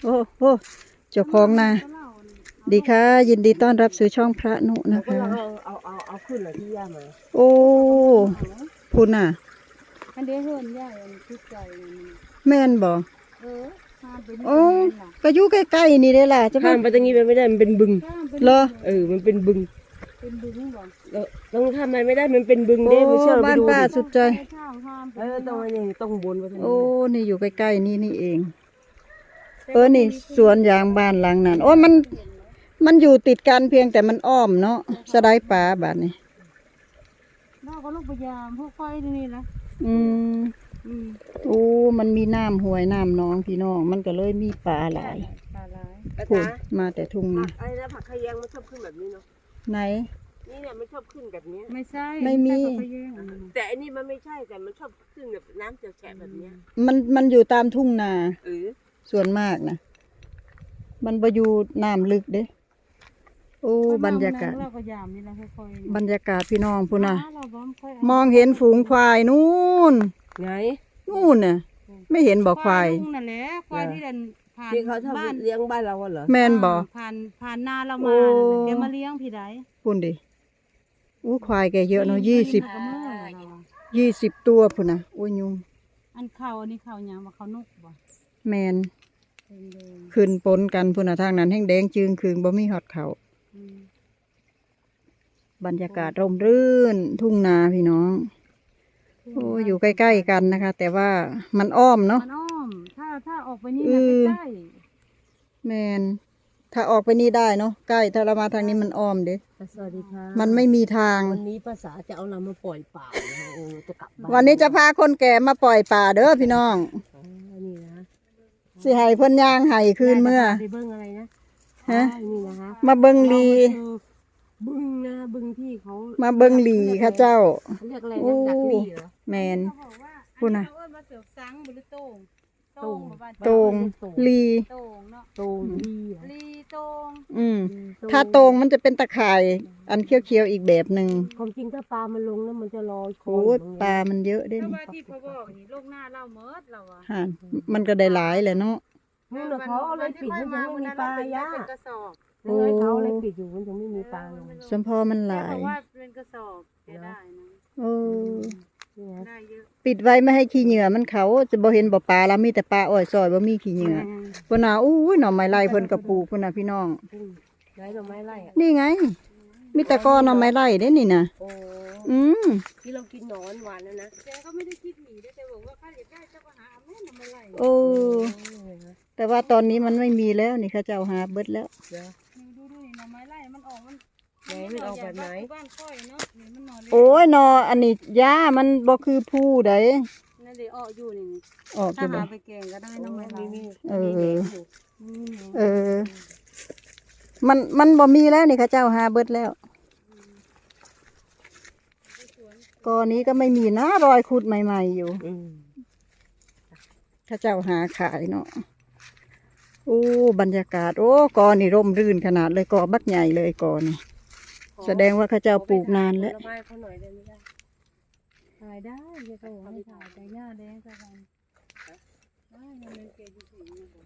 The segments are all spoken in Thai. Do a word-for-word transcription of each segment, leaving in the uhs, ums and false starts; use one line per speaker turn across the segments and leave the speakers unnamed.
โอ้โหเจ้าของนาดีค่ะยินดีต้อนรับสู่ช่องพระนุนะคะ
เอาเอาเอาเอาขึ้นเลยที่ย่ามา
โอ้พุ่นน่ะ
อันเดียวเฮินย่าอันคิดใจ
แม่นบ่
เออข้ามไปนี่
โอ้ก็อยู่ใกล้ๆนี่เด้ล่ะจะ
ข้ามไปตรงนี้ไม่ได้มันเป็นบึง
เหรอ
เออมันเป็นบึง
เป็นบึงบ่
แล้วต้องทำอะไรไม่ได้มันเป็นบึง
โอ้
เด้ไม่เชื่อไป
บ้าน
ดู
ป้า
ดิ
สุดใจ
เออต้องอันนี้ต้องบนไปทาง
โอ้
นี้
นี่อยู่ใกล้ๆนี่นี่เองเออนี่สวนยางบ้านหลังนั้นโอ้มันมันอยู่ติดกันเพียงแต่มันอ้อมเนาะสะไดป่าบาดนี้
นอกก็ลูกพยายามพวกไฟนี่นะ
อืม
อืม
โอ้มันมีน้ำห้วยน้ำหนองพี่น้องมันก็เลยมีปลาหลาย
ปลาร้าย
พุ่นมาแต่ทุ่ง
ผั
นะ
กไอ้นะผักขยงมันชอบขึ้นแบบนี้เนาะ
ไหน
นี่เนี่ยมันชอบขึ้นแบบนี้
ไม่ใช่
ไม่มี
ใช่พะเยง
แต่อันนี้มันไม่ใช่แต่มันชอบขึ้นแบบน้ำแฉะๆแบบเนี้ย
มันมันอยู่ตามทุ่งนา
เออ
ส่วนมากนะมันบ่อยู่น้ำลึกเด้โอ้บรรยากาศ
เราก็ยามนี่แหละค่อย
บรรยากาศพี่น้องพุ่นน่ะ
เราบ่ค่อย
มองเห็นฝูงควายนู่น
ไง
นู่นน่ะไม่เห็นบ่ควาย
ลุงนั่นแหละควายที่เดินผ่าน
ที่เขา
บ้าน
ทำเลี้ยงบ้านเราเหรอ
แม่นบ่
ผ่านผ่านนาเรา
โอ้
มาเดี๋ยวมาเลี้ยงพี่ใด
พุ่นดิอู้ควายแกเยอะเนาะยี่สิบ
ก็เมื่อเราอะ
ยี่สิบตัวพุ่นน่ะโอ้ยยุง
อันเขาอันนี้เขาหยังว่าเขานกบ่
แมน
แดง
ขึ้นปนกันพุ่นน่ะทางนั้นแห้งแดงจึงคืงบ่มีฮอดเขา
ๆอืม
บรรยากาศร่มรื่น ทุ่งนาพี่น้องโอ้อยู่ใกล้ๆกันนะคะ แต่ว่ามันอ้อมเนาะ
มันอ้อม ถ้าถ้าออกไปนี่
เอ
นะ
อ
ใกล้
แมนถ้าออกไปนี่ได้เนาะใกล้ถ้าเรามาทางนี้มันอ้อมเด้
สวัสดีค่ะ
มันไม่มีทาง
วันนี้ภาษาจะเอาเรามาปล่อยป่านะคะเออจะกลับบ้าน
วันนี้จะพาคนแก่มาปล่อยป่าเด้อพี่น้อง
อ๋อนี่นะ
สิให้เพิ่นย่างให้คืนเมื่อ
ไปเบิ้งอะไรนะ
ฮะ
อ๋อนี่นะคะ
มาเบิงลี
เรามาดูบึงนะบึงที่เขา
มาเบิงหลีค่ะเจ้า
เขาเรียกอะไร
โอ้
นะดักลีเหรอ
แมน
ๆเขาบอกว่า
พูดนะ
อัเขาเอิ้นมาเสือกสังบุหรือโตง
โต่ง
บ่บ้าน
โตงลี
โตงเนาะ
โตงลีเหรอ
ลีโตง
อืม
ลี
ถ้าโตงมันจะเป็นตะข่าย อันเขียวๆอีกแบบหนึ่ง
ความจริงถ้าปลามันลงแล้วมันจะลอยคอ
โอ้
อยู่
ย
ตรง
ปลา
นี้
มันเยอะเด้
เพราะ
นี่
ว่าที่เขาบอกนี่โลกหน้าเราเมิดเราอะ
ฮะมันก็ได้หลายแหละเนาะ
นู่นน่ะเขาเอาอะไรปิดมันยังไม่มีปลาย่า
เป็นกระสอบ
โอ้
เลยเขาเอาอะไรปิดอยู่มันยังไม่มีปลาลง
สมพอมันห
แต่
ลา
บ
ย
อกว่าเป็นกระสอบแต่ได้นะ
โอ้
นี่นะ
ได้เยอะ
ปิดไว้ไม่ให้ขี้เหงื่อมันเขาจะบ่เห็นบ่ปลาแล้วมีแต่ปลาอ้อยซอยบ่มีขี้เหงื่อพุ่นน่ะอู้ยหน่อไม้ไล่เพิ่นกระปลูกพุ่นน่ะพี่น้อง
อืมได้ดอกไม้ไล่อะ
นี่ไง มีแต่กอหน่อไม้ไล่เด้นี่น่ะ
โอ้
อืม
ที่เรากินหนอนหวานแล้วนะ
แกก็ไม่ได้คิดหนีด้วยแต่บอกว่าข้าอยากได้เจ้าก็หาเอาแม่นำมาไล่
โอ้แต่ว่าตอนนี้มันไม่มีแล้วนี่เขาเจ้าหาเบิดแล้ว
เดี๋ยว
ดูดูดูนี่หน่อไม้ไล่มันออกมัน
ไหนมันออกแบบไหน
บ้านค่อยเนาะนี่มันหน่อเล็ก
โอ้ยหนออันนี้หญ้ามันบ่คือผู้ใด
นั่นเดี๋ยวออกอยู่นี่
ออก
ถ้า
จะบ่
หาไปแกงก็ได้หน่อไม้ไล่
มี
เออ
มีแหนมอยู่
เออ มันมันบ่มีแล้วนี่เขาเจ้าหาเบิดแล้วกอนี้ก็ไม่มีนะรอยขุดใหม่ๆอยู่
อืม
เขาเจ้าหาขายเนาะโอ้บรรยากาศโอ้กอนี่ร่มรื่นขนาดเลยกอบักใหญ่เลยกอนี่แสดงว่าเขาเจ้าปลูกนานแล้ว
ผลไม้เขาหน่อยได้ไหมล่ะ
ถ่ายได้เดี๋ยวเขาบอกให้ถ่ายแต่หญ้าแดงสักวันได้มันเป็นเกจิสี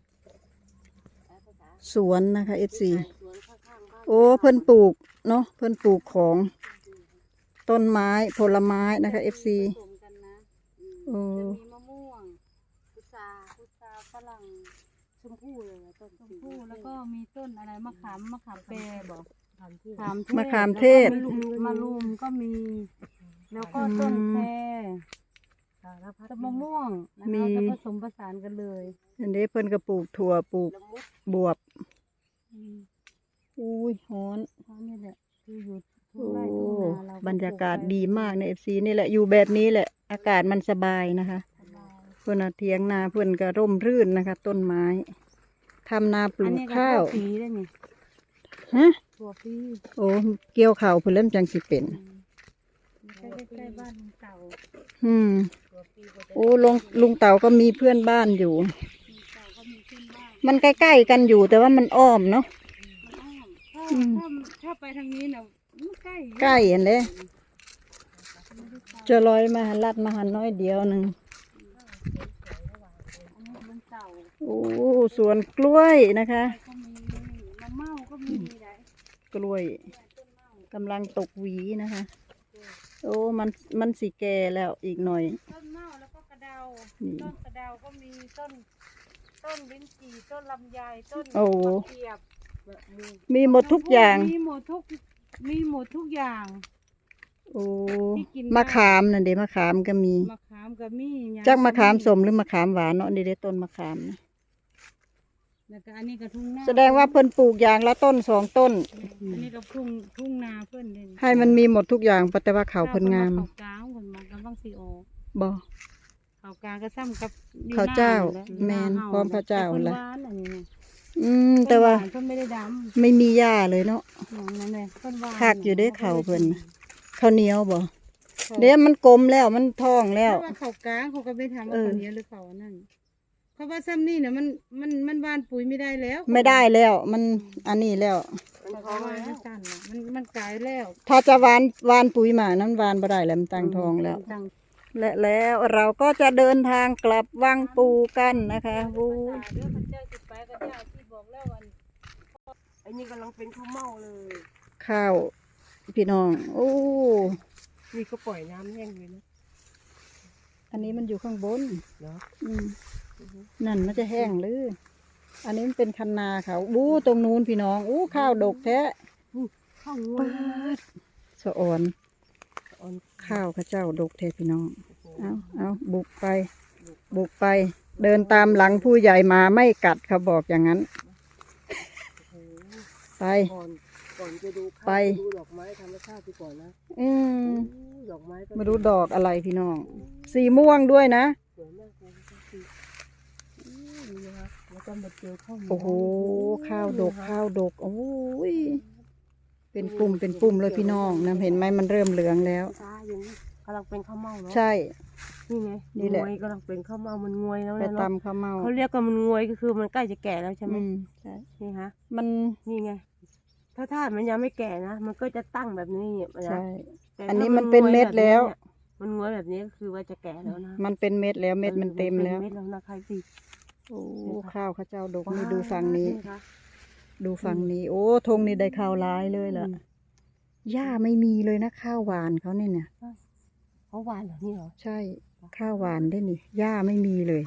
นะ
สวนนะคะเอฟซี
สวนข้างๆบ้าน
โอ้เพิ่นปลูกเนาะเพิ่นปลูกของต้นไม้ผลไม้นะคะเอฟซี
ผสมกันนะอืม
โอ้
จะมีมะม่วงพุทราพุทราฝรั่ง
ชมพู่เลยอะต้น
ชมพู่แล้วก็มีต้นอะไรมะขามมะขามแปรบอก
ทำที่
มะขามเทศ
แล้วก็มะลุมก็มี แล้วก็ต้นแคร
สารพัด
ต้นมะม่วงนะ
มี
คะจะผสมผสานกันเลย
อันนี้เพิ่นก็ปลูกถั่วปลูก
ละมุด
บวบ
อืม
อุ้ยฮ้อน
เพราะนี่แหละคืออยู่ทุ่
โอ้
งไร่ทุ่งนาเรา
บรรยากาศดีมากในเอฟซีนี่แหละอยู่แบบนี้แหละ อากาศมันสบายนะคะ
สบาย
เพื่อนน่ะเทียงนาเพื่อนก็ร่มรื่นนะคะ ต้นไม้ทำนาปลู
อัน
ก
นี้ก็
ข้าว
ถั่วปีได้นี่
ฮะ
ถั่วปี
โอ้เกี่ยวข้าวเพื่อนเริ่มจังสิเป็น
อืมใกล้ๆบ้านลุงเต่า
อืม
ตัวปีกว่าจะ
โอ้ลุงลุงเต่าก็มีเพื่อนบ้านอยู่
ลุงเต่าก็มีขึ้นบ้าน
มันใกล้ๆกันอยู่แต่ว่ามันอ้อมเนาะ
มันอ้อมถ้า
อืม
ถ้าถ้าไปทางนี้น่ะมันใกล้
ใกล้อันเลย
ไม่ได้ไกล
จะลอยมาหันลัดมาหันน้อยเดียวหนึ่ง
อันนี้ลุงเต่า
โอ้สวนกล้วยนะคะ
ก็มีมะเม่าก็มีได้
กล้วย
ต้นเม่าก
ำลังตกหวีนะคะ โอ้มันมันสีแก่แล้วอีกหน่อย
ต้นเม่าแล้วก็กระเดา
นี่
ต้นกระเดาก็มีต้น ต้นลิ้นจี่ต้นลำไยต้น
โอ้
มะเขียบ
มีหมดทุกอย่าง
มีหมดทุกมีหมดทุกอย่าง
โอ้
ที่กินได้
มะขามนั่นเด้มะขามก็มี
มะขามก็มีหญ้
จักมะขามสมหรือมะขามหวานเนาะนี่เด้ต้นมะขามนะ
แล้วก็อันนี้ก็ทุ่งนา
แสดงว่าเพิ่นปลูกอย่างละต้นสองต้น
อันนี้ก็ทุ่งทุ่งนาเพิ่นเด่น
ให้มันมีหมดทุกอย่างแต่ว่าเขาวเพิ่นงาม
เขากลางเพิ่นมากำลังสิออก
บ่
เขากลางก็ซ้ำกับอยู่
ข้าวเจ้า
หน้
แม่น
อยู่ห
พร้อมข้าวเจ้า
แต่
ล่ะ
เพิ่นหวานอันนี้นะ
อืมแต่ว่า
เพิ่นไม่ได้ด
ไม่มีหญ้าเลยเนาะ
ำนั่นแหละเพิ่นหวาน
คักอยู่เด้อเขาเพิ่นน่ะ ข้าวเหนียวบ่เดี๋ยวมันกลมแล้วมันท้องแล้ว
เพราะว่าเขากลางเขาก็ไม่ทำว่า
เออ
เขาเหนี้ยวหรือเขาอันนั่นเพราะว่าซ้ำนี่เนี่ยมันมันมันหวานปุ๋ยไม่ได้แล้ว
ไม่ได้แล้วมันอันนี้แล้ว
มัน
เพ
ท้อ
ราะ
ง
ว่า
แล้
มั
วน
สั้นน่ะมันมันกลายแล้ว
ถ้าจะหวานหวานปุ๋ยมานั้นหวานบ่ได้แล้วมันตั้งท้องแล้ว
ตั้ง
และแล้วเราก็จะเดินทางกลับวังปูกันนะคะวู
ตาเด้อพระเจ้าสิไปกับเจ้าที่บอกแล้ววัน
ไอ้นี่กำลังเป็นข้าวเม่าเลย
ข้าวพี่น้องโอ้
นี่ก็ปล่อยน้ำแห้งเลยนะ
อันนี้มันอยู่ข้างบน
เนาะ
อืมนั่นมันจะแห้งหรืออันนี้มันเป็นคันนาเขาอู้ตรงนู้นพี่น้องอู้ข้าวดกแท้
ข้าวงว
ปาย ดสะอ่อน
อ่อน
ข้าวข้าเจ้าดกแท้พี่น้อง เอาเอาบุกไป บุกไป เดินตามหลังผู้ใหญ่มาไม่กัดเขาบอกอย่างนั้น
โอ้โห
ไป
ก่อนก่อนจะดูข้าว
ไป
ดูดอกไม้ธรรมชาติไปก่อนนะ
อืม
โอ้ดอกไม้ก็
มาดูดอกอะไรพี่น้อง สีม่วงด้วยนะ
สวยมากเลยสิอืมนี่นะคะแล้วก็มาเจอข้าวเหนียว
โอ้โห ข้าวดก ข้าวดก โอ้ย เป็นปุ่ม เป็นปุ่มเลยพี่น้องนะเห็นไหมมันเริ่มเหลืองแล้ว
ตาอย่างนี้กำลังเป็นข้าวเม่าเนาะ
ใช่
นี่ไง
นี่แหละ
งวยกำลังเป็นข้าวเม่ามันงวยแล้ว
ไป
นะเนาะ
ตำข้าวเมา
เขาเรียกกันมันงวยก็คือมันใกล้จะแก่แล้วใช่ไหม
อืมใช่
นี่ฮะ
มัน
นี่ไง ถ้าถ้ามันยังไม่แก่นะ มันก็จะตั้งแบบนี้เนี่ยนะ
ใช่
แต่
อันนี้
ถ้า
มันเป็นเม็ดแล้ว
มันงวยแบบนี้ก็คือว่าจะแก่แล้วนะ
มันเป็นเม็ดแล้ว เม็ดมันเต็มแล้ว
นเม็ดแล้วนะใครสิ
โอ้ ข้าวข้าเจ้าดกนี่ดูฝั่งนี้
คะ
ดูฝั่งนี้ โอ้ธงนี่ได้ข้าวร้ายเลยล่ะ หญ้าไม่มีเลยนะข้าวหวานเขาเนี่ยเนี่ย
เขาหวานเหรอนี่เหรอ
ใช่ ข้าวหวานได้นี่ หญ้าไม่มีเลย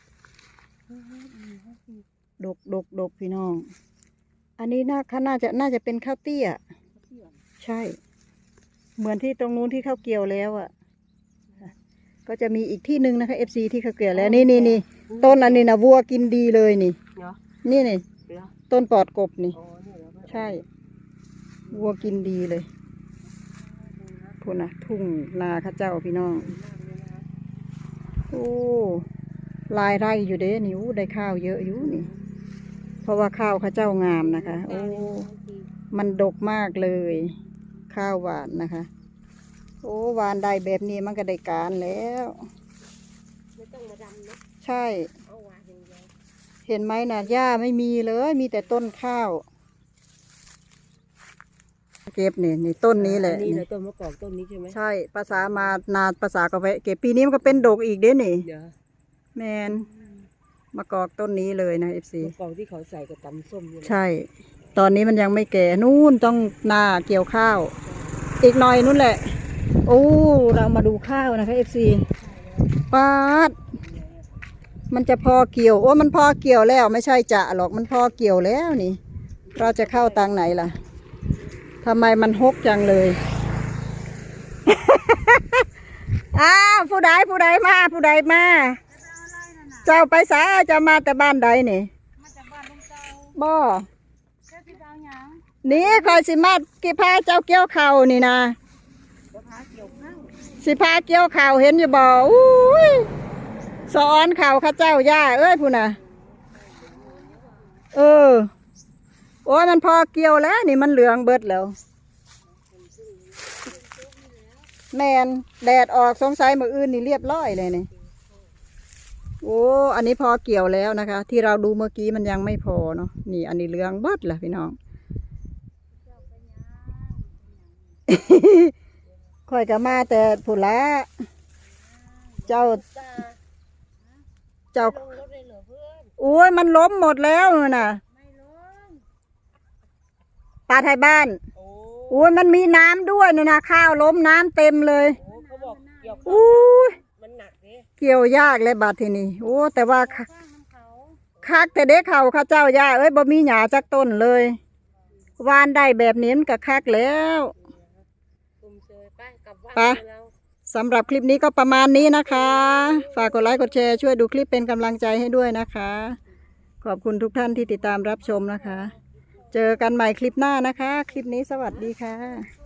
ดกดกดกพี่น้อง อันนี้น่าเขาน่าจะน่าจะเป็นข้าวเตี้ย ใช่ เหมือนที่ตรงนู้นที่ข้าวเกี่ยวแล้วอ่ะ ก็จะมีอีกที่หนึ่งนะคะเอฟซีที่ข้าวเกี่ยวแล้ว นี่นี่นี่ต้นอันนี้นะวัวกินดีเลยนี่
เนาะ
นี่นี่
เดี๋ยว
ต้นปอดกบนี่
อ๋อนี่เหรอ
ใช่ วัวกินดีเลยพูนนะทุ่งนาข้าเจ้าพี่น้อง โอ้ลายไร่อยู่เด้นี่อู้ได้ข้าวเยอะอยู่นี่ เพราะว่าข้าวข้าเจ้างามนะคะ โอ้ มันดกมากเลย ข้าวหวานนะคะ โอ้หวานได้แบบนี้มันก็ได้การแล้ว
ไม่ต้องมาดำเนาะ
ใช่
เอาหวานอย่างเดียว
เห็นไหมนะหญ้าไม่มีเลย มีแต่ต้นข้าว เก็บนี่นี่ต้นนี้แหละ
นี่
นี่
แหละต้นมะกอกต้นนี้ใช่ไหม
ใช่ ภาษามานาภาษากาแฟเก็บปีนี้มันก็เป็นดกอีกเด้นี่
เดี๋ยว
แมนมะกอกต้นนี้เลยนะเอฟซี
มะกอกที่เขาใส่กับตำส้มเนี่ยนะ
ใช่ ตอนนี้มันยังไม่แก่นู่นต้องนาเกี่ยวข้าว อีกหน่อยนู่นแหละ โอ้เรามาดูข้าวนะคะเอฟซีปาดมันจะพอเกี่ยว โอ้มันพอเกี่ยวแล้ว ไม่ใช่จะหรอกมันพอเกี่ยวแล้วนี่ เราจะเข้าตังไหนล่ะทำไมมันฮกจังเลย อ้าวผู้ใดผู้ใดมาผู้ใดมา เจ้าไปสาเจะมาแต่บ้านใดนี่
มาจากบ้านลุงเจ้า
บ่
เจ้าที่เอาหยัง
นี่คอยสิมากี่พาเจ้าเกี่ยวเข่าวนี่นะ
จะพาเกี่ยวข้าว
สิพาเกี่ยวเข่าวเห็นอยู่บ่อุ้ยสอนเข่าวข้าเจ้าย่าเอ้ยพูน่ะเออโอ้ยมันพอเกี่ยวแล้วนี่มันเหลืองเบิดแล้ว แมนแดดออกสงสัยมื้ออื่นนี่เรียบร้อยเลยนี่โอ้อันนี้พอเกี่ยวแล้วนะคะ ที่เราดูเมื่อกี้มันยังไม่พอเนาะนี่อันนี้เหลืองเบิดล่ะพี่น้อง ค่อยก็มาแต่ผุละเจ้า
ตา
เจ้า
ลงรถเลยเหรอเพื่อน
โอ้ยมันล้มหมดแล้วน่ะ
ไม่ลง
ปลาไทยบ้าน
โอ้
โอ้ยมันมีน้ำด้วยนะนะข้าวล้มน้ำเต็มเลย
โอ้เขาบอกเกี่ยวข้าว
อู้ย
มันหนักดิ
เกี่ยวยากเลยบาดทีนี้โอ้แต่ว่า
ข้างน้ำเขา
คักแต่เด็กเขาข้าเจ้าย่าเอ้ยบ่มีหญ้าจักต้นเลยวานได้แบบนี้มันก็คักแล้ว
คุมเชยไปกลับบ้าน
ไป
เรา
สำหรับคลิปนี้ก็ประมาณนี้นะคะ ฝากกดไลค์กดแชร์ช่วยดูคลิปเป็นกำลังใจให้ด้วยนะคะ ขอบคุณทุกท่านที่ติดตามรับชมนะคะ เจอกันใหม่คลิปหน้านะคะ คลิปนี้สวัสดีค่ะ